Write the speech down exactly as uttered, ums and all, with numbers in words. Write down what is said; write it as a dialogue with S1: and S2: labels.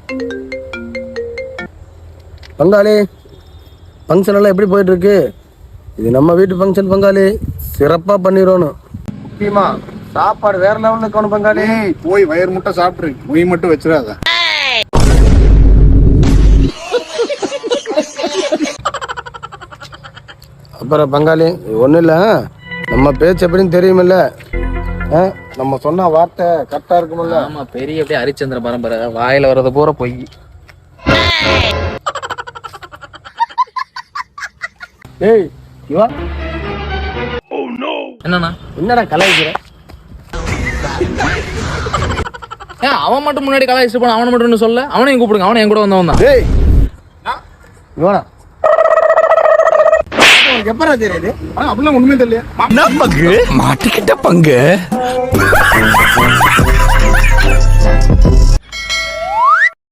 S1: பங்காளி, ஃபங்க்ஷன் எல்லாம் எப்படி போயிட்டு இருக்கு? இது நம்ம வீட்டு ஃபங்க்ஷன் பங்காளி, சிறப்பா பண்ணிடணும். முக்கியமா சாப்பாடு வேற லெவல்ல இருக்கணும் பங்காளி.
S2: போய் வயிறு முட்டை சாப்பிட்ரு, மொய் மட்டும் வச்சிடாத.
S1: அப்புறம் பங்காளி ஒன்றும் இல்லை, நம்ம பேச்சு எப்படின்னு தெரியுமில்ல, நம்ம சொன்ன வார்த்தை கரெக்டா இருக்குமில்ல?
S3: ஆமா, பெரிய அப்படியே ஹரிச்சந்திர பரம்பரை, வாயில வர்றது பூரா பொய்.
S1: ஏய் இவா,
S3: என்னண்ணா
S1: என்னடா கலாய்க்கிற?
S3: ஏன் அவன் மட்டும் முன்னாடி கலாய்ச்சிட்டு போன, அவனை மட்டும் சொல்ல, அவனையும் கூப்பிடுங்க, அவனை என் கூட வந்தவன் தான்.
S1: ஏய் இவனா எப்படா தெரியுது?
S2: அப்படிலாம் ஒண்ணுமே தெரியல.
S4: பங்கு மாட்டிக்கிட்ட பங்கு.